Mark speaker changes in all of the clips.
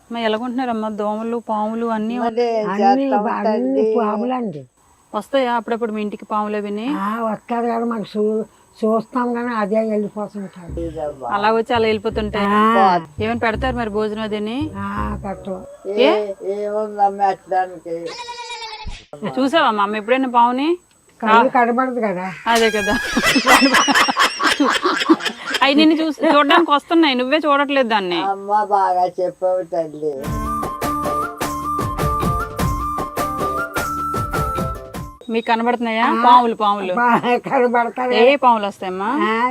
Speaker 1: మరి ఎలాగుంటున్నారమ్మా దోమలు పాములు అన్నీ
Speaker 2: పాములండి
Speaker 1: వస్తాయా అప్పుడప్పుడు మీ ఇంటికి పాములు విని
Speaker 2: వస్తారు కానీ మనకు చూస్తాం కానీ అదే వెళ్ళిపోతుంటాడు.
Speaker 1: అలా వచ్చి అలా వెళ్ళిపోతుంటాయి. ఏమైనా పెడతారు మరి భోజనం అదేని చూసావమ్మా అమ్మ ఎప్పుడైనా పావుని?
Speaker 2: కళ్ళు కనబడదు కదా.
Speaker 1: అదే కదా అవి నిన్ను చూడడానికి వస్తున్నాయి, నువ్వే చూడట్లేదు దాన్ని.
Speaker 3: అమ్మ బాగా చెప్పావు తల్లి.
Speaker 1: మీకు కనబడుతున్నాయా పాములు? పాములు
Speaker 2: కనబడతారు.
Speaker 1: ఏ పాములు వస్తాయమ్మా?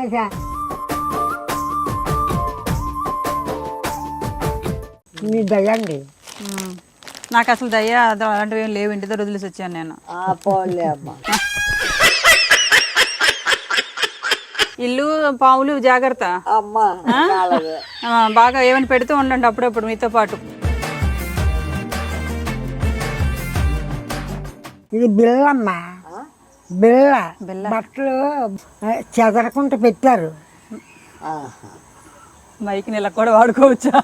Speaker 2: మీ దయండి.
Speaker 1: నాకు అసలు దయ్యా అలాంటివి ఏం లేవు, ఇంటి దగ్గర వదిలేసి వచ్చాను నేను.
Speaker 3: పోలే అమ్మ.
Speaker 1: ఇల్లు పాములు జాగ్రత్త
Speaker 3: అమ్మా.
Speaker 1: బాగా ఏమైనా పెడుతూ ఉండండి అప్పుడప్పుడు మీతో పాటు.
Speaker 2: ఇది బిల్లమ్మ, బిల్ల బట్టలు చెదరకుండా పెట్టారు.
Speaker 1: మైక్ నెల కూడా వాడుకోవచ్చా?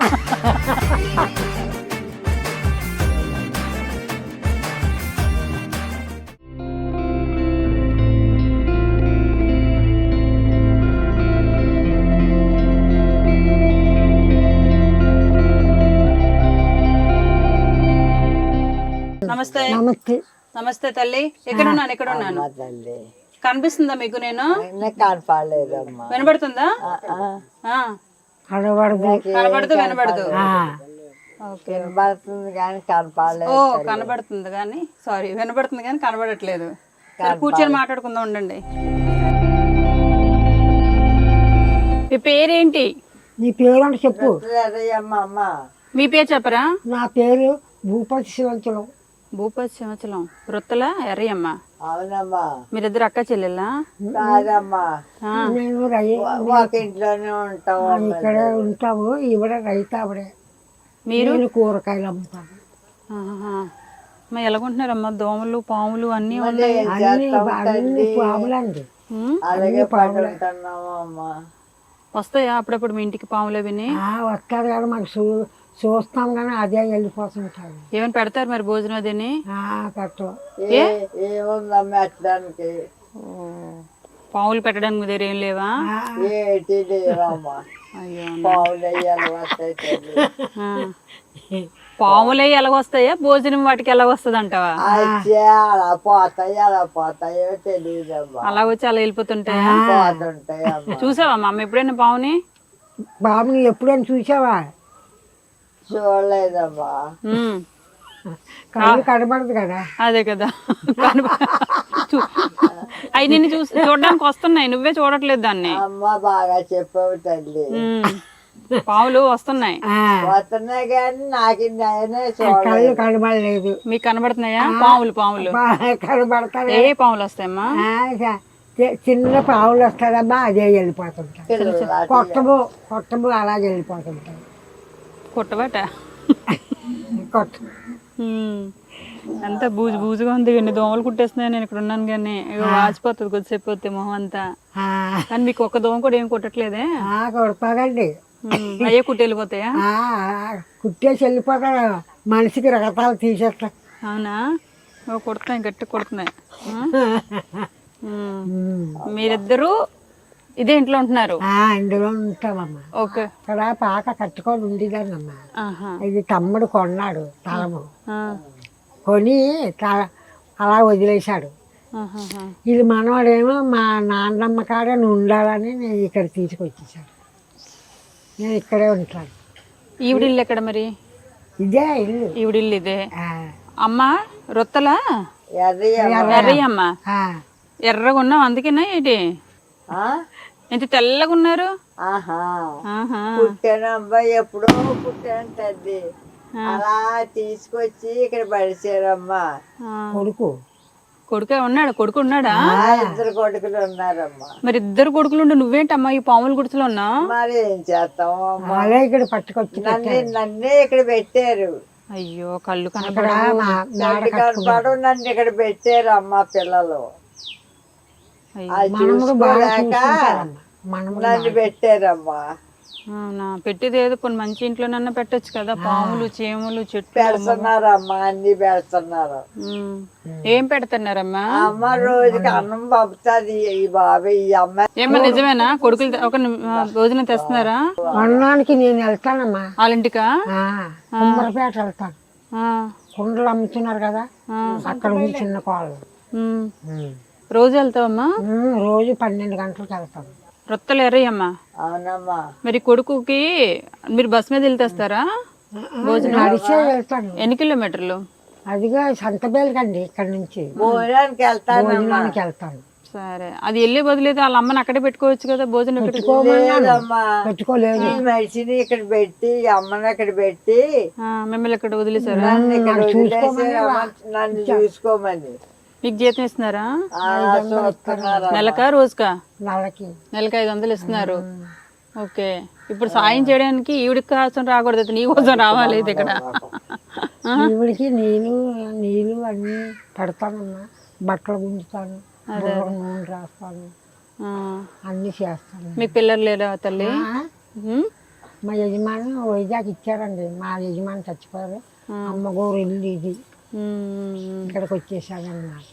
Speaker 1: నమస్తే.
Speaker 2: నమస్తే.
Speaker 1: నమస్తే తల్లి. ఎక్కడున్నాను?
Speaker 3: తల్లి
Speaker 1: కనిపిస్తుందా మీకు? నేను
Speaker 3: కనపడలేదమ్మా.
Speaker 1: వినబడుతుందా? కనబడదు వినబడదు.
Speaker 3: వినబడుతుంది కానీ కనపడలేదు.
Speaker 1: ఓ కనబడుతుంది కానీ, సారీ వినబడుతుంది కానీ కనబడట్లేదు. కూర్చొని మాట్లాడుకుందాం ఉండండి. మీ పేరేంటి?
Speaker 2: నీ పేరు అంటే చెప్పు.
Speaker 1: మీ పేరు చెప్పరా?
Speaker 2: నా పేరు భూపతి శివంచలం.
Speaker 1: భూపతి శివంచలం. వృత్తల ఎర్రయ్యమ్మ.
Speaker 3: అవునమ్మా.
Speaker 1: మీరిద్దరు అక్క చెల్లెలా?
Speaker 3: కాదమ్మా,
Speaker 2: నేను
Speaker 3: ఒక ఇంట్లోనే ఉంటాము.
Speaker 2: ఇక్కడే ఉంటాము. ఈవిడ రైతు ఆవిడే.
Speaker 1: మీరు?
Speaker 2: కూరగాయలు అమ్ముతాను.
Speaker 1: మరి ఎలాగుంటున్నారమ్మా దోమలు పాములు అన్నీ
Speaker 2: పాములండి.
Speaker 3: అలాగే పడుతున్నాము అమ్మా.
Speaker 1: వస్తాయా అప్పుడప్పుడు మీ ఇంటికి పాములు విని?
Speaker 2: వస్తారు కానీ మనకు చూస్తాం కానీ అదే వెళ్ళిపోతుంటాడు.
Speaker 1: ఏమైనా పెడతారు మరి భోజనం అదేని?
Speaker 3: ఏముందమ్మా పెట్టడానికి?
Speaker 1: పాములు పెట్టడానికి మీ దగ్గర ఏం లేవా?
Speaker 3: ఏటి లేవమ్మా. పావులు
Speaker 1: పాములు ఎలాగొస్తాయా? భోజనం వాటికి ఎలాగొస్తుంది అంటావా?
Speaker 3: అలా పోతాయి, అలా పోతాయో తెలియదమ్మా.
Speaker 1: అలా వచ్చి అలా వెళ్ళిపోతుంటాయా?
Speaker 3: పోతుంటాయమ్మా.
Speaker 1: చూసావమ్మా అమ్మ ఎప్పుడైనా పావుని?
Speaker 2: బాబుని ఎప్పుడైనా చూసావా?
Speaker 3: చూడలేదమ్మా.
Speaker 2: కళ్ళు కనబడదు కదా.
Speaker 1: అదే కదా అవి నిన్ను చూడడానికి వస్తున్నాయి, నువ్వే చూడట్లేదు దాన్ని.
Speaker 3: అమ్మ బాగా చెప్పావు తల్లి.
Speaker 1: పావులు వస్తున్నాయి
Speaker 3: కానీ నాకు
Speaker 2: కళ్ళు కనబడలేదు.
Speaker 1: మీకు కనబడుతున్నాయా పాములు? పాములు
Speaker 2: కనబడతాయి.
Speaker 1: ఏ పాములు వస్తాయమ్మా?
Speaker 2: చిన్న పావులు వస్తాయమ్మా, అదే వెళ్ళిపోతుంటాయి. కొట్టము అలాగే వెళ్ళిపోతుంటాయి.
Speaker 1: కొట్టబట
Speaker 2: కొట్ట
Speaker 1: అంతా బూజు బూజుగా ఉంది. ఎన్ని దోమలు కుట్టేస్తున్నాయి. నేను ఇక్కడ ఉన్నాను కానీ వాచిపోతుంది కొద్దిసేపు పోతే మొహం అంతా. కానీ మీకు ఒక్క దోమ కూడా ఏం కుట్టట్లేదే?
Speaker 2: కొడతాదండి.
Speaker 1: అయ్యే కుట్టి వెళ్ళిపోతాయా?
Speaker 2: కుట్టేసి వెళ్ళిపోతాడు. మనిషికి రకతాలు తీసేస్తా.
Speaker 1: అవునా? కుడుతున్నాయి, గట్టి కుడుతున్నాయి. మీరిద్దరూ ఇదే ఇంట్లో ఉంటున్నారు?
Speaker 2: ఇందులో ఉంటామమ్మా.
Speaker 1: ఓకే.
Speaker 2: ఇక్కడ పాక కట్టుకొని ఉండేదాన్నమ్మా. ఇది తమ్ముడు కొన్నాడు తలము. కొని అలా వదిలేశాడు. ఇది మనవాడేమో మా నాన్నమ్మ కాడే ఉండాలని నేను ఇక్కడ తీసుకొచ్చేసాడు. నేను ఇక్కడే ఉంటాను.
Speaker 1: ఈవిడిల్లు ఎక్కడ మరి?
Speaker 2: ఇదే ఇల్లు.
Speaker 1: ఈవిడిల్లు ఇదే. అమ్మ రొత్తలా? ఎర్రయ్యమ్మ. ఎర్రగా ఉన్నావు అందుకేనా ఏంటి? ఎంత తెల్లగా ఉన్నారు?
Speaker 3: పుట్టానమ్మా, ఎప్పుడో పుట్టాను తల్లి. అలా తీసుకొచ్చి ఇక్కడ పడిచారమ్మా.
Speaker 1: కొడుకే ఉన్నాడు? కొడుకు ఉన్నాడా?
Speaker 3: ఇద్దరు కొడుకులు ఉన్నారమ్మా.
Speaker 1: మరి ఇద్దరు కొడుకులు ఉండి నువ్వేంటమ్మా ఈ పాముల గుడిసెలో ఉన్నా?
Speaker 3: మరి ఏం చేస్తాము అమ్మా,
Speaker 2: ఇక్కడ పట్టుకొచ్చి
Speaker 3: నన్నే ఇక్కడ పెట్టారు.
Speaker 1: అయ్యో కళ్ళు కనపడు,
Speaker 3: నన్ను ఇక్కడ పెట్టారు అమ్మా పిల్లలు. అది చూసుకోలేక నన్ను పెట్టారమ్మా.
Speaker 1: అవునా, పెట్టేది ఏదో కొన్ని మంచి ఇంట్లోనన్నా పెట్టొచ్చు కదా, పాములు చీమలు చెట్లు.
Speaker 3: పెడుతున్నారమ్మా, అన్ని పెడుతున్నారు.
Speaker 1: ఏం పెడుతున్నారమ్మా?
Speaker 3: అమ్మ రోజుకి అన్నం పంపుతుంది ఈ బాబాయ్, ఈ అమ్మ.
Speaker 1: ఏమన్నా నిజమేనా? కొడుకులు ఒక భోజనం తెస్తున్నారా?
Speaker 2: అన్నానికి నేను వెళ్తానమ్మా.
Speaker 1: వాళ్ళ ఇంటికా?
Speaker 2: కుమ్మరపేట వెళ్తాను.
Speaker 1: ఆ,
Speaker 2: కుండలు అమ్ముతున్నారు కదా, అక్కడ ఉంది చిన్న కోళ్ళు.
Speaker 1: రోజు వెళ్తావమ్మా?
Speaker 2: రోజు 12 గంటలకు వెళ్తాను.
Speaker 1: రొత్తలు ఎర్రయ్యమ్మా.
Speaker 3: అవునమ్మా.
Speaker 1: మరి కొడుకుకి మీరు బస్ మీద వెళ్తేస్తారా భోజనం?
Speaker 2: నడిచే వెళ్తాను.
Speaker 1: ఎన్ని కిలోమీటర్లు?
Speaker 2: అదిగా సంతబేలుకండి, ఇక్కడ నుంచి
Speaker 3: భోజనానికి వెళ్తాను.
Speaker 2: భోజనానికి వెళ్తాను.
Speaker 1: సరే, అది వెళ్ళే బదులేదు వాళ్ళ అమ్మని అక్కడే పెట్టుకోవచ్చు కదా, భోజనం
Speaker 3: లేదమ్మా,
Speaker 2: పెట్టుకోలేదు.
Speaker 3: ఈ మనిషిని ఇక్కడ పెట్టి ఈ అమ్మని అక్కడ పెట్టి
Speaker 1: మిమ్మల్ని ఇక్కడ వదిలేసారా?
Speaker 3: నన్ను ఇక్కడ వదిలేసి నన్ను చూసుకోమని.
Speaker 1: మీకు జీతం ఇస్తున్నారా?
Speaker 3: చూస్తున్నారు.
Speaker 1: నెలకా రోజుకా?
Speaker 2: నెలకి
Speaker 1: 500 ఇస్తున్నారు. ఓకే, ఇప్పుడు సాయం చేయడానికి ఈవిడికి కోసం రాకూడదు, నీ కోసం రావాలి ఇది ఇక్కడ.
Speaker 2: ఈవిడికి నీళ్ళు అన్నీ పెడతానమ్మా, బట్టలు గుంజుతాను, నూనె రాస్తాను, అన్నీ చేస్తాను.
Speaker 1: మీకు పిల్లలు లేరా తల్లి?
Speaker 2: మా యజమాని వైజాగ్ ఇచ్చారండి, మా యజమాని చచ్చిపోయారు. అమ్మగోరు ఇల్లు ఇది, ఇక్కడికి వచ్చేసాడన్నమాట.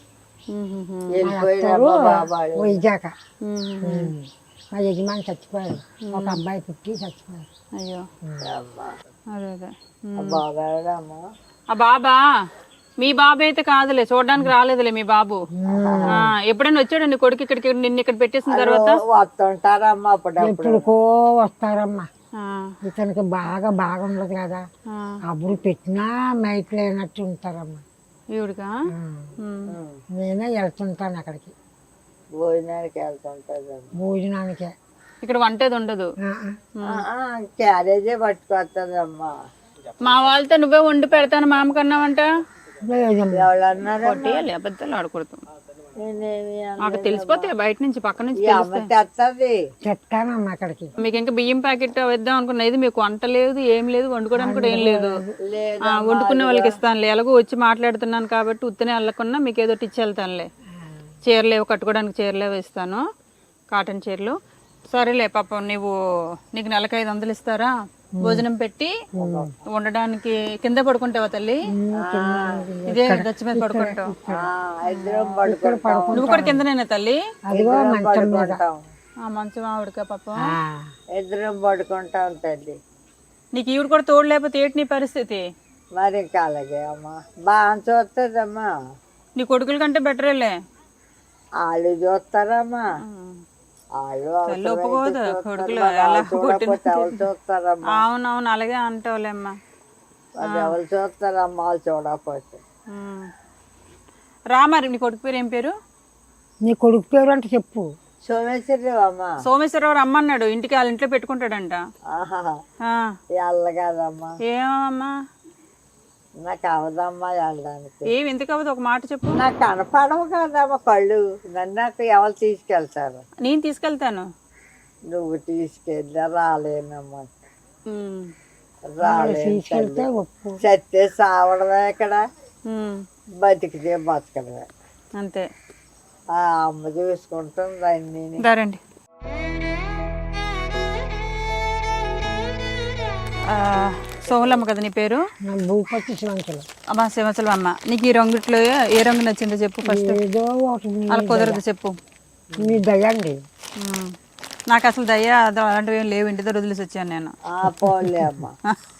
Speaker 2: వైజాగ్ మా యజమాని చచ్చిపోయారు, ఒక అబ్బాయి పుట్టి చచ్చిపోయారు.
Speaker 1: అయ్యో, అదే అదే.
Speaker 3: బాబాడమ్మా,
Speaker 1: ఆ బాబా మీ బాబు అయితే కాదులే, చూడడానికి రాలేదులే మీ బాబు. ఎప్పుడైనా వచ్చాడండి కొడుకు ఇక్కడికి, నిన్ను ఇక్కడ పెట్టేసిన తర్వాత?
Speaker 3: వస్తుంటారమ్మా అప్పుడప్పుడు.
Speaker 2: ఎప్పుడుకో వస్తారమ్మా. ఇతనికి బాగా ఉండదు కదా, అప్పుడు పెట్టినా మైక్ లేనట్టు ఉంటారమ్మా.
Speaker 1: ఈవిడికా?
Speaker 2: నేనే వెళ్తుంటాను అక్కడికి,
Speaker 3: భోజనానికి వెళ్తుంటారు.
Speaker 2: భోజనానికే.
Speaker 1: ఇక్కడ వంటేది ఉండదు?
Speaker 3: క్యారేజే పట్టుకొస్తుందమ్మా.
Speaker 1: మా వాళ్ళతో నువ్వే వండి పెడతాను మామకన్నావంట.
Speaker 3: ఎవరన్నారు?
Speaker 1: కొట్టేయాలి, అబద్ధాలు ఆడకూడదు. మాకు తెలిసిపోతే బయట నుంచి, పక్క నుంచి
Speaker 2: చెప్తానమ్మా అక్కడికి.
Speaker 1: మీకు ఇంకా బియ్యం ప్యాకెట్ వేద్దాం అనుకున్నా, ఇది మీకు వంట లేదు, ఏం లేదు, వండుకోవడానికి కూడా ఏం లేదు. వండుకునే వాళ్ళకి ఇస్తానులే, ఎలాగో వచ్చి మాట్లాడుతున్నాను కాబట్టి ఉత్తనే వెళ్ళకుండా మీకు ఏదో ఇచ్చి వెళ్తానులే. చీరలేవు కట్టుకోవడానికి, చీరలేవు ఇస్తాను, కాటన్ చీరలు. సరేలే పాపం, నీకు నెలకు 500 ఇస్తారా భోజనం పెట్టి ఉండడానికి? కింద పడుకుంటావా తల్లి? ఇదే గచ్చి మీద పడుకుంటావు? నువ్వు కూడా కిందనేనా తల్లి? మంచం ఆవిడకా పాపం?
Speaker 3: ఇద్దరం పడుకుంటాం తల్లి.
Speaker 1: నీకు ఈవిడ కూడా తోడు లేకపోతే ఏంటి నీ పరిస్థితి?
Speaker 3: మరి ఇంకా అలాగే అమ్మా, బాగా చూస్తుందమ్మా.
Speaker 1: నీ కొడుకుల కంటే బెటరేలే.
Speaker 3: వాళ్ళు చూస్తారమ్మా,
Speaker 1: ఒప్పుకోదు కొడుకులు. అవునవును, అలాగే అంటావులేమ్మా.
Speaker 3: ఎవరు చూస్తారమ్మా, వాళ్ళు చూడకపోతే.
Speaker 1: రా, మరి నీ కొడుకు పేరు ఏం పేరు?
Speaker 2: నీ కొడుకు పేరు అంటే చెప్పు.
Speaker 3: సోమేశ్వరరావు అమ్మా.
Speaker 1: సోమేశ్వరరావు రమ్మన్నాడు ఇంటికి, వాళ్ళ ఇంట్లో పెట్టుకుంటాడంట.
Speaker 3: వెళ్ళగదమ్మా.
Speaker 1: ఏమమ్మా?
Speaker 3: నాకు అవదమ్మా వెళ్ళడానికి.
Speaker 1: ఏమి ఎందుకు అవ్వదు, ఒక మాట చెప్పు.
Speaker 3: నాకు కనపడవు కదమ్మా కళ్ళు, నన్ను నాకు ఎవరు తీసుకెళ్తారు?
Speaker 1: నేను తీసుకెళ్తాను.
Speaker 3: నువ్వు తీసుకెళ్ళా రాలేనమ్మా.
Speaker 2: తీసుకెళ్తే ఒప్పు.
Speaker 3: చస్తే సావడమే ఇక్కడ, బతికితే బతకడమే
Speaker 1: అంతే.
Speaker 3: ఆ అమ్మ చూసుకుంటుంది అన్ని.
Speaker 1: రండి. సోమలమ్మ కదా నీ పేరు?
Speaker 2: భూపతి శివంచలం.
Speaker 1: అమ్మా శివంచలం అమ్మ, నీకు ఈ రంగుట్లో ఏ రంగు నచ్చిందో చెప్పు ఫస్ట్.
Speaker 2: ఏదో ఒకటి
Speaker 1: అలా కుదరదు, చెప్పు.
Speaker 2: మీ దయండి.
Speaker 1: నాకు అసలు దయ అలాంటివి ఏం లేవు, ఇంటి దగ్గర వదిలేసి వచ్చాను నేను.
Speaker 3: పోలే అమ్మా,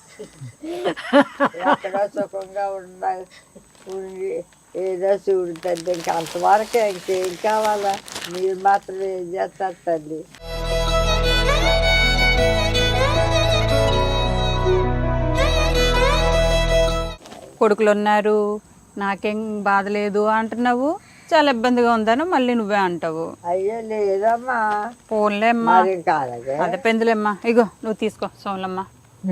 Speaker 3: ఎక్కడో సుఖంగా ఉండి ఏదో చూడుతుంది. ఇంకా అంతవరకే, ఇంకేం కావాలా? మీరు మాత్రం ఏం చేస్తారు తల్లి?
Speaker 1: కొడుకులు ఉన్నారు, నాకేం బాధ లేదు అంటున్నావు, చాలా ఇబ్బందిగా ఉందని మళ్ళీ నువ్వే అంటావు.
Speaker 3: అయ్యో లేదమ్మా.
Speaker 1: ఫోన్లే అమ్మా, అదే పెందులేమ్మా. ఇగో నువ్వు తీసుకో సోమలమ్మ.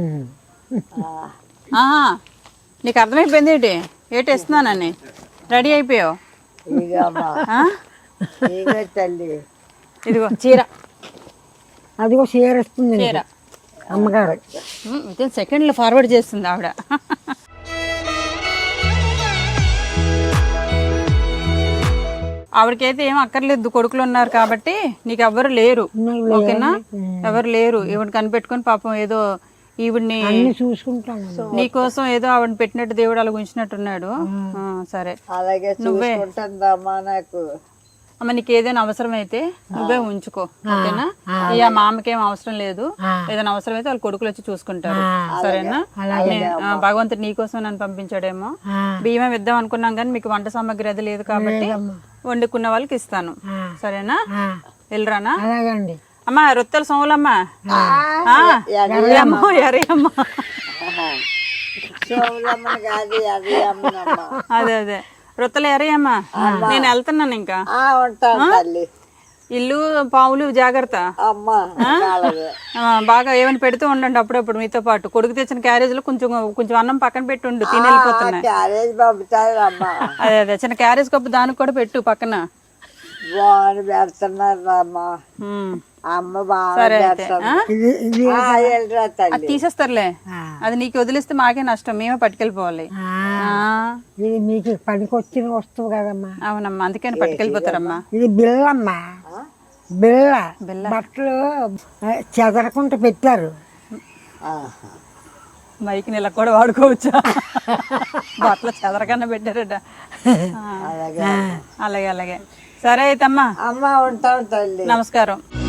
Speaker 1: నీకు అర్థమైపోయింది ఏంటి ఏటి ఇస్తున్నానని? రెడీ అయిపోయావు? ఇదిగో చీర.
Speaker 2: అదిగో చీర ఇస్తుంది చీర అమ్మగారు.
Speaker 1: వితిన్ సెకండ్లో ఫార్వర్డ్ చేస్తుంది ఆవిడ. ఆవిడకైతే ఏం అక్కర్లేదు, కొడుకులు ఉన్నారు కాబట్టి నీకు ఎవ్వరు లేరు. ఓకేనా? ఎవరు లేరు. ఈవిడ కనిపెట్టుకొని పాపం ఏదో ఈవిడ్ని
Speaker 2: చూసుకుంటాను.
Speaker 1: నీకోసం ఏదో ఆవిడని పెట్టినట్టు దేవుడు అలా ఉంచినట్టున్నాడు. సరే
Speaker 3: అలాగే చూసుకుంటుందమ్మా. నాకు
Speaker 1: అమ్మ నీకు ఏదైనా అవసరం అయితే నువ్వే ఉంచుకో. ఓకేనా? ఇక మా అమ్మకేం అవసరం లేదు. ఏదైనా అవసరం అయితే వాళ్ళ కొడుకులు వచ్చి చూసుకుంటారు. సరేనా? భగవంతుడు నీకోసం నన్ను పంపించాడేమో. బియ్యం ఇద్దాం అనుకున్నాం కానీ మీకు వంట సామాగ్రి అది లేదు కాబట్టి వండుకున్న వాళ్ళకి ఇస్తాను. సరేనా? వెళ్ళరానా? అమ్మా రొత్తెల సోములమ్మా, ఎర్రమ్మ ఎర్రమ్మ, అదే అదే రొత్తెల ఎర్రయ్యమ్మ. నేను వెళ్తున్నాను ఇంకా. ఇల్లు పావులు జాగ్రత్త. బాగా ఏమైనా పెడుతూ ఉండండి అప్పుడప్పుడు మీతో పాటు. కొడుకు తెచ్చిన క్యారేజ్ లో కొంచెం కొంచెం అన్నం పక్కన పెట్టి ఉండు, తిని వెళ్ళిపోతున్నాయి. అదే అదే చిన్న క్యారేజ్ కప్పు దానికి కూడా పెట్టు పక్కన. సరే అయితే అది తీసేస్తారులే. అది నీకు వదిలిస్తే మాకే నష్టం, మేమే పట్టుకెళ్ళిపోవాలి.
Speaker 2: మీకు పనికొచ్చిన వస్తువు కదమ్మా.
Speaker 1: అవునమ్మా, అందుకని పట్టుకెళ్ళిపోతారమ్మా.
Speaker 2: ఇది బిల్లమ్మా, బిల్ల. బట్టలు చెదరకుండా పెట్టారు.
Speaker 1: మైకి నెల కూడా వాడుకోవచ్చా? బట్టలు చెదరకన్నా పెట్టారట. అలాగే అలాగే. సరే అయితే అమ్మా,
Speaker 3: ఉంటాం తల్లి.
Speaker 1: నమస్కారం.